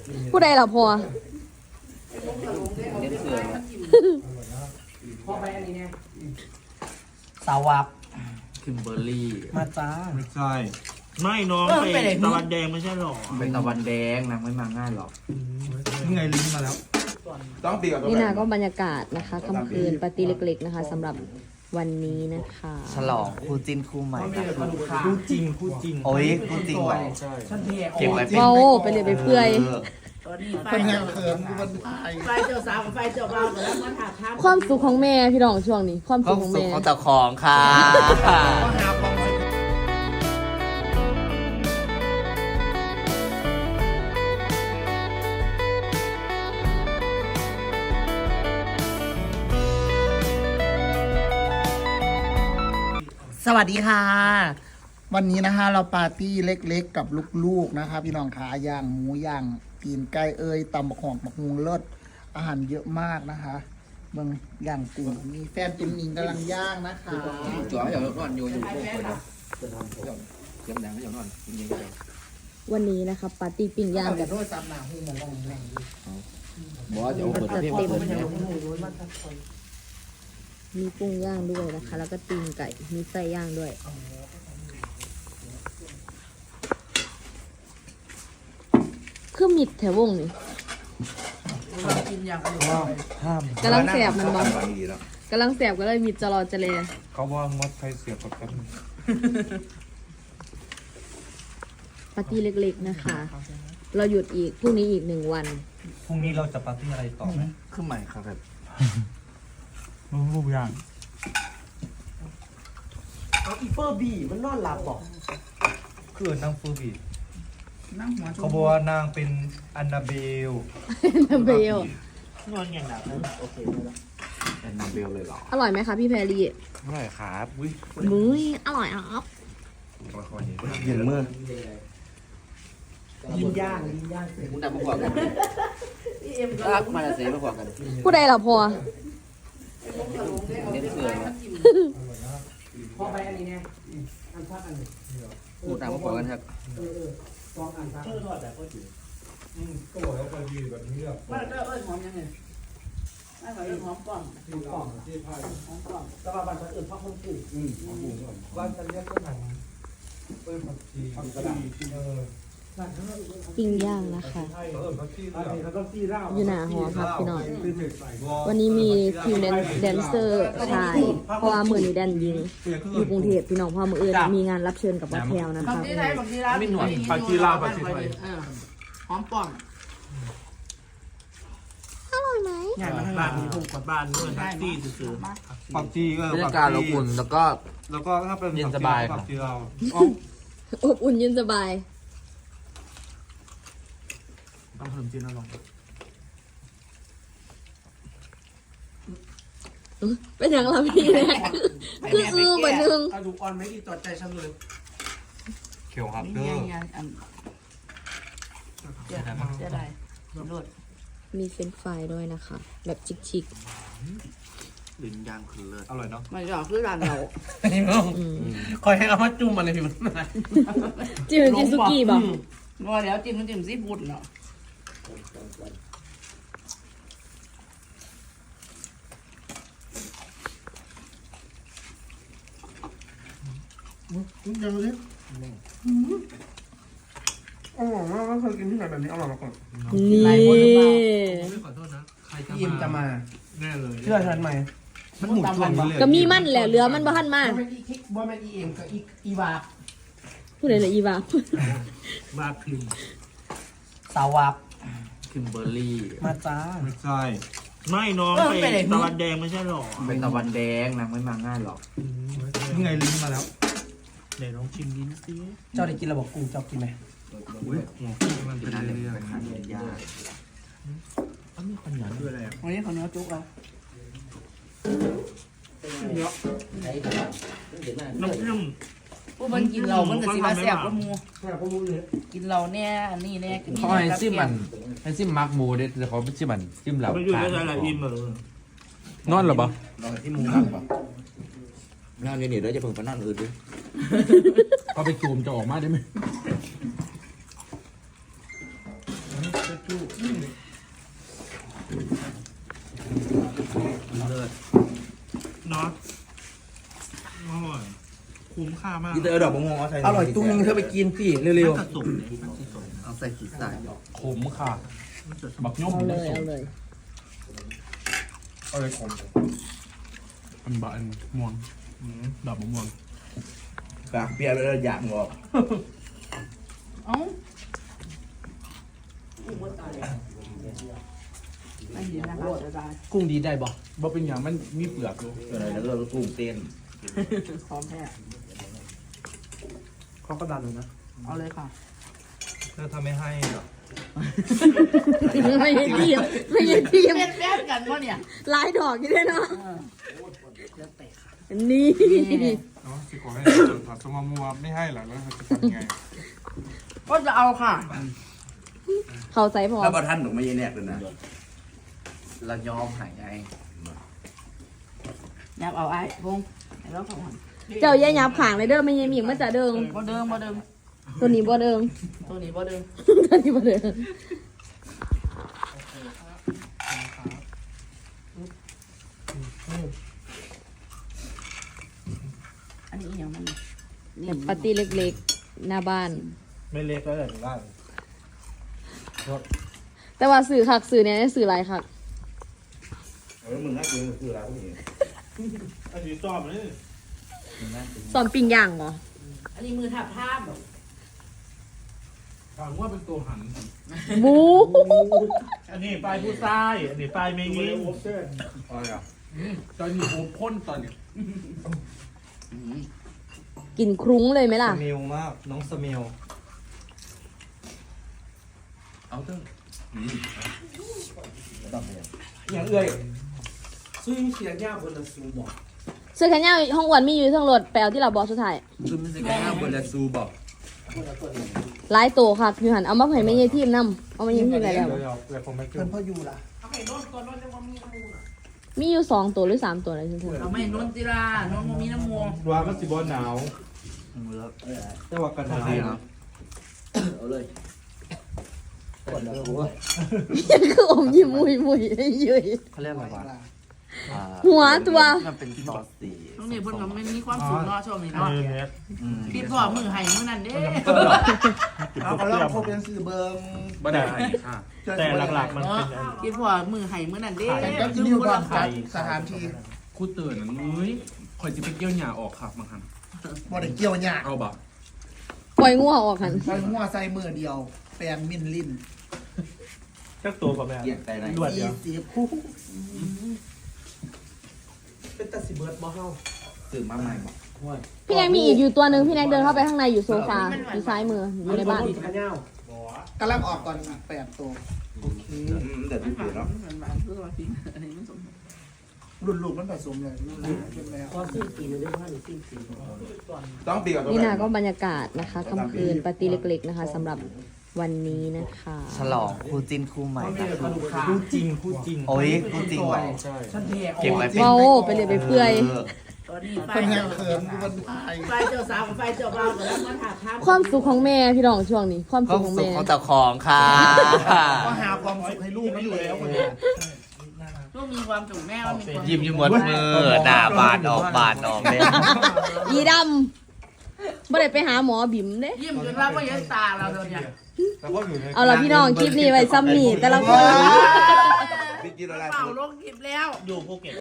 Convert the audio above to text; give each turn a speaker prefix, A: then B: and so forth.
A: ผู้ใดล่ะพอ
B: พ่อไปอันนี้เนี่ยสาวับ
C: คิมเบอร์รี่
B: มาจ้า
D: ไม่ใช่ไม่น้องไปตะวันแดงไม่ใช่หรอ
C: เป็นตะวันแดงนางไม่มาง่ายหรอก
D: นี่ไงลิ้นมาแล้ว
A: ต้องตีกับนี่นะก็บรรยากาศนะคะค่ำคืนปาร์ตี้เล็กๆนะคะสำหรับวันนี้นะคะ
C: ฉลองคู่จิ้นคู่ใหม่
D: คู่จริงคู่จริง
C: โอ้ยคู่จริงว่ะ
B: เก่ง
A: เว้าไปเลยไปเพื่อย
B: คนแห่งเขินมันไฟเจ้าสาวกับไฟเจ้าบ่าวแล้วมาถามท่า
A: ความสุขของแม่พี่น้องช่วงนี้ความสุขของแม่
C: ของเจ้าของค่ะ
B: สวัสดีค่ะวันนี้นะคะเราปาร์ตี้เล็กๆกับลูกๆนะคะพี่น้องขาย่างหมูย่างตีนไก่ตำบักหอกบักฮุงเลิศอาหารเยอะมากนะคะเมืองย่างตีนมีแฟนตุ้มนิงกำลังย่างนะคะ
C: จ๋ออย่านอนอยู่พวกคนนะยังแดงไม่อยากนอนจริง
A: ๆวันนี้นะคะปาร์ตี้ปิ้งย่างกับ
B: โทษซ้ำหนาหูเหมือนแรง
C: บอสเดี๋ยวเปิดเพลงเปิด
A: มีกุ้งย่างด้วยนะคะแล้วก็ตีนไก่มีไส้ย่างด้วยคือมิดแถววงนี่กำลังแสบมันบ้างกำลังแสบก็เลยมิดจะรอจะเลย
D: เขาว่างดใครเสียบกับกัน
A: ปาร์ตี้เล็กๆนะคะเราหยุดอีกพรุ่งนี้อีก1 วัน
D: พรุ่งนี้เราจะปาร์ตี้อะไรต่อไหม
C: ขึ้นใหม่ครับ
D: รูปอย่าง
B: เอาอีเฟอร์บีมันนอนหลับบอก
D: คือนางเฟอร์บี
B: นั่งหัว
D: เขาบอกว่านางเป็นอันนาเบล
A: เบล
B: นอนอย่างหนักโอเค
C: อันนาเบลเลยเหรอ
A: อร่อยไหมคะพี่แพรรี่
C: อร่อยครับ
A: มุ้ยอร่อยครับ
C: เย็นเมื่อ
B: ยินย่าง
C: มุ้งดำมาขวางกันรักมาเสียมาขวางกัน
A: ผู้ใดล่ะพอ
C: เน้นเสือ
B: พ่อไปอันนี้เนี่ยอันพักอันนี้
C: มุ้งดำมาขวางกันครับ
B: สองอันครับทอดแบบก็ถือ
D: ก็บอกแล้วไปยืนแบบนี้แบบ
B: ว่าก็หอมยังไงไม่หอมหอมกล่องหอมที่พายหอมกล่องแต่ว่าบางคนอื่นพักคนอื่น
D: บ้านจะเรียกก็หนังผักชี
A: ปิ้งย่างนะคะอยู่หน้าหอครับพี่น้องวันนี้มีทีมแดนเซอร์ชายเพราะว่ามือนี้แดนยิงอยู่กรุงเทพพี่น้องพอมืออื่นมีงานรับเชิญกับวัดแพลวนะคะ
D: ไม่หน่วยผักชีลาวผักชีไทย
B: หอมป่อง
A: อร่อยไหม
B: ใหญ่มาบ้านมีผูกกับบ้านด้วยแท็กซี่ซื้อ
D: ผักชี
C: บรรยากาศอบอุ่นแล้วก็
D: ถ้าเป็น
C: เย็นสบาย
D: ผักชีลาว
A: อบอุ่นเย็นสบาย
D: ต้องเพิ่มจีนลอง
A: เป็นอย่างไรพี่เนี่ยคือเหมือนนึง
B: กระดูกอ่อนไม่ดีต่อใจฉันเลย
D: เขียวครับเด้อ
B: จะได้
A: มีเฟรนช์ฟรายด้วยนะคะแบบชิค
C: ๆลิ้นย่างคือเลิศ
D: อร่อยเนาะ
B: มันจะคือร้านเราคอยให้เขามาจุ่มอะไรพี่มัน
A: จิ้มสุกี้บอก
B: ว่าแล้วจิ้มซีฟู้ดเนาะยังเลยอร่อยมากไม่เคยกินที่ไหนแบบนี้อร่อยมาก่อน
A: นี่
D: ขอโทษนะใคร
B: ยิมจะมา
D: แน่เลย
B: เชื่อฉันไหม
D: มันหมุนตัวเลย
A: ก็มีมั่นแหละเรือมันบ้านมาก
B: บ่แม่นอีเอ็มกับอีวา
A: ผู้ใดเลยอีวา
D: บาพิม
B: สาวับ
C: คิมเบอร์รี่
B: มาจ้า
D: ไม่ใช่ไม่น้องไปตะวันแดงไม่ใช่หรอ
C: เป็นตะวันแดงนางไม่มาง่ายหรอก
D: นี่ไงลิ้นมาแล้วเดี๋ยวลองชิมลิ้นสิ
B: เจ้าได้กินระบบกุ้งเจ้ากินไหม
C: มันเป็นอะไรเป็นขันยา
D: อันนี้ขยันด้วยอะไรอ่ะ
B: วันนี้ขอเนื้อจุ๊กเอา
D: น้ำจิ้ม
B: ผู้มันกินเรามันก็สิมาแซ่บกว่าหมูกินเราเนี่ยอันนี้เนี่ย
C: เขาให้ซิมมันให้ซิมมักหมูเด็ดแต่เขาไม่ซิมมันซิมเรา
D: ไม่อยู่ในอะไรอิ่มเลย
C: นอนหรอปะนอนที่มุมนั่งปะนั่งนี่เดี๋ยวจะเพิ่งไปนั่งอื่นดิเขาไปจูมจะออกมาได้ไหมเลิศ
D: น็อตอร่อยคุ้มค่ามาก
C: นี่เธอดอกมะม่วงเอาใส่
E: อร่อยตุ้งนึงเธอไปกินสิเร็ว
D: สุก
E: ๆเอาใส่ขีดใส่
D: ขมค่ะบักย่อม
A: เอาเลยเอาเลย
D: อะไรขมอันบะอันม่วงดอกมะม่วง
C: ปากเปียกเลยอยากงอก
E: กุ้งดีได้บ่
D: บ่เป็นอย่างมันมีเปลือกอยู่
C: อะไรแล้วเราตุ้งเต้น
D: เขาก็ดันเลยนะ
E: เอาเลยค่ะ
D: ถ้าทำไม่ให้หรอ
A: ไม่ใช่ทีมไม่ใช่ทีม
E: เป็นแฟนกันวะเนี่ย
A: ลายดอกอยู่ด้วยเนาะนี่
D: เนาะสิขอให้ผัดสมมัวไม่ให้หรอแล้วจะทำยังไง
E: ก็จะเอาค่ะ
A: เข้าใจพอ
C: แล้วบอท่านหนูไม่ยันแนกเลยนะ
E: เรายอมหายไงยับเอาไอ้พงแล้วเขาหัน
A: เจ้าอย่ายับขางเลยเด้อไม่ยังมีมันจะเดิง
E: บ่เดิมบ่เดิม
A: ตัวนี้บ่เดิง
E: ตัวนี้บ่เดิม
A: ตัวนี้บ่เดิง
E: อันนี้อีกอย่างมัน
A: แบบปาร์ตี้เล็กๆหน้าบ้าน
D: ไม่เล็กแล้วแต่ถึงได้
A: แต่ว่าสื่อคักสื่อเนี่ยสื่อหลายคัก
C: แล้วมึงน่ากินคืออะไรพวกนี้
D: อันนี้ชอบเลย
A: สอนปิ้งย่างเหรอ
E: อันนี้มือทับท่าบ
D: ถามว่าเป็นตัวหัน
A: บู
D: อันนี้ปลายผู้ชายอันนี้ปลายเมงี้
C: อะไรอ่ะ
D: ตอนนี้โอพ่นตอนนี้
A: กินครุ้งเลยไหมล่ะ
D: สมิลมากน้องสมิล
C: เอาเถอะต้องไป
D: อย่างเอ้ย
E: ซึ่งเสียงยากบนละสูบอก
A: เสื้อแขนยาวห้องอ้วนมีอยู่ทั้งรถไปเอาที่เราบอสสุดท้าย
C: คือมันจะแก้วบนละซูบอก
A: หลายโตค่ะคือหันเอามาให้แม่ยายทีมนำเอามายังทีมอะไรแล้ว
D: เดี๋ยวผมไม่กิ
B: เพิ่
D: น
B: นพ่ออยู่ล่ะ
E: เอาไปโน่นก่อนโน่นจะมามีน้ำมูล
A: มีอยู่2ตัวหรือ3ตัวอะไรฉันเถอะ
E: เราไม่โน่นจิราโน่นมีน้ำมูล
D: ว่ามันสิบอหนาวแต่ว่ากันหนาว
C: เอาเลย
A: คืออมยิ้มมุยมุยยุย
C: เขาเรียกอะไรวะ
A: หัวตัว
C: มันเป็นซอสสี
E: น้องนี่เพิ่นก็มันมีความสุขเนาะช่วงนี้
D: อัน
E: เนาะ
D: นี้เน็ต
E: พี่พ่อมือไห้มือนั่นเด้
B: เอาก็ลองพบเป็นสื่อเบิง
C: บ่ได้ค่ะ
D: แต่หลักๆมันเป็น
E: พี่พ่อมือไห้มือนั่นเด้
B: แต่ก็นิวก่อนครับสถานที่
F: คู่ตื่นนั้นเอ้ยคอยจะไปเกี่ยวหญ้าออกครับบางครั้ง
B: บ่ได้เกี่ยวหยาก
F: เอาบ่
A: ปล่อยงัวออกหัน
B: ใส่หัวใส่มือเดียว แปรงมินลิ้น
D: แค่ตัวกับแม่
C: เกี่ยงใจไหน
D: รวดเดียว
B: 40คู่
E: เป็นตาสิเบิร์ดบ่เฮา
C: ตื่นมาใหม่บอก
A: พี่แนกมีอีกอยู่ตัวหนึ่งพี่แนกเดินเข้าไปข้างในอยู่โซฟาอยู่ซ้ายมืออยู่ในบ้าน
B: กำลังออกก่อนอีก8ตัว
C: เดี๋ยวดูเนาะ
E: มันมาคือว่าสิอันนี้มันสม
B: รุ่นลูกมันผสมเลยรุ่นลูกเป็นแล้ว
C: ต้องปีกับตัว
A: นี่นะก็บรรยากาศนะคะค่ำคืนปาร์ตี้เล็กๆนะคะสำหรับวันนี้นะคะ
G: ฉลองคู่จิ้นคู่ใหม่นะคะ
D: คู่จริงคู่จริง
G: โอ้ยคู่จริงเหรอ
D: ใช่
E: ฉันเท่
G: เก็บไว้เป็น
A: เมาไปเลยไปเปื่อย
E: ตอนนี้ไฟ
B: คนแห
E: เจ้าก
B: เขินดูมันตาย
E: ไฟเจ้าสาวกับไฟเจ้าบ่าวก็แล้วมาถามถาม
A: ความสุขของแม่พี่น้องช่วงนี้ ความ
G: ก็
A: สุขของ
G: สุข
A: แม่
G: ของเจ้าของค่ะ
B: ก็หาความสุขให้ลูกมันอยู่แล้วคนนี้
E: ลูกมีความสุขแม่ว่ามีความ
G: ยิ้มอยู่หมดมือหน้าบานออกบานออกเลย
A: อีดำไม่ได้ไปหาหมอบิ่มเด้
E: ยิ้มจนว่าก็ยันตาเราโดนเนี่ย
D: แล้วก็อยู่ใน
A: เอาล่ะพี่น้องคลิปนี้ไว้ซ้ำนี่แต่ละคน
C: พี่กินอะไร
E: เป่าลงคลิปแล้ว
D: อยู่ภูเก็ต